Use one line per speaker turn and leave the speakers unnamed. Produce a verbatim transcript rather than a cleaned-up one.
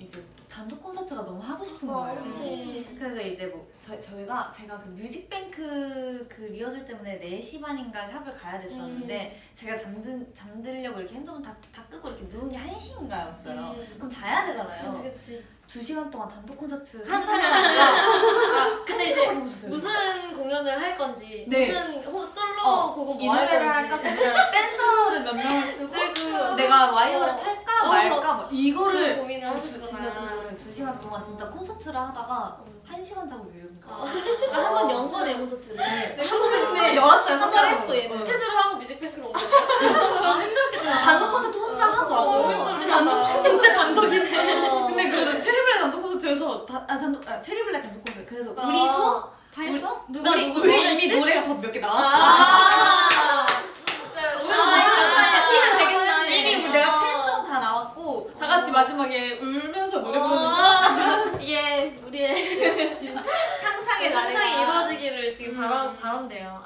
이제 단독 콘서트가 너무 하고 싶은
어,
거예요.
그치.
그래서 이제 뭐 저, 저희가 제가 그 뮤직뱅크 그 리허설 때문에 네 시 반인가 샵을 가야 됐었는데 음. 제가 잠든, 잠들려고 이렇게 핸드폰 다, 다 끄고 이렇게 누운 게 한 시인가였어요. 음. 그럼 자야 되잖아요.
그치 그치.
두 시간 동안 단독 콘서트
상상하다가 아, 근데 이제
해보셨어요?
무슨 공연을 할 건지
네.
무슨 호, 솔로
어,
곡은
이
뭐 할
노래를
건지
할까? 진짜 댄서를 몇 명을 쓰고
쓰고
내가 와이어를
어.
탈까
어.
말까 막 이거를
그런 고민을
두-
하셨구나.
진짜 그거를 두 시간 동안 진짜 콘서트를 하다가 한 시간 자고 이러는 거야.
아, 한번 연 거네 콘서트를.
네.
근데
열었어요.
한번 했어 얘.
어.
스케줄을 하고 뮤직뱅크로 온 거야. 힘들었겠다.
단독 콘서트 혼자 하고 왔어요.
진짜 단독 진짜 단독이네.
어. 근데 그래도 체리블랙 단독 콘서트에서 다, 아 단독 아, 체리블랙 단독 콘서트 그래서
아.
우리도
다 했어?
우리,
누가
우리,
누구
우리
뭐
이미
했지?
노래가 더 몇 개 나왔어.
아.
이미
되겠네.
이미 우리 내가 팬송 다 나왔고 다 같이 마지막에 울면서 노래 부르는 거.
아, 이게 우리의
상상의 나래가
상상이 이루어지기를 지금 바라, 바란대요.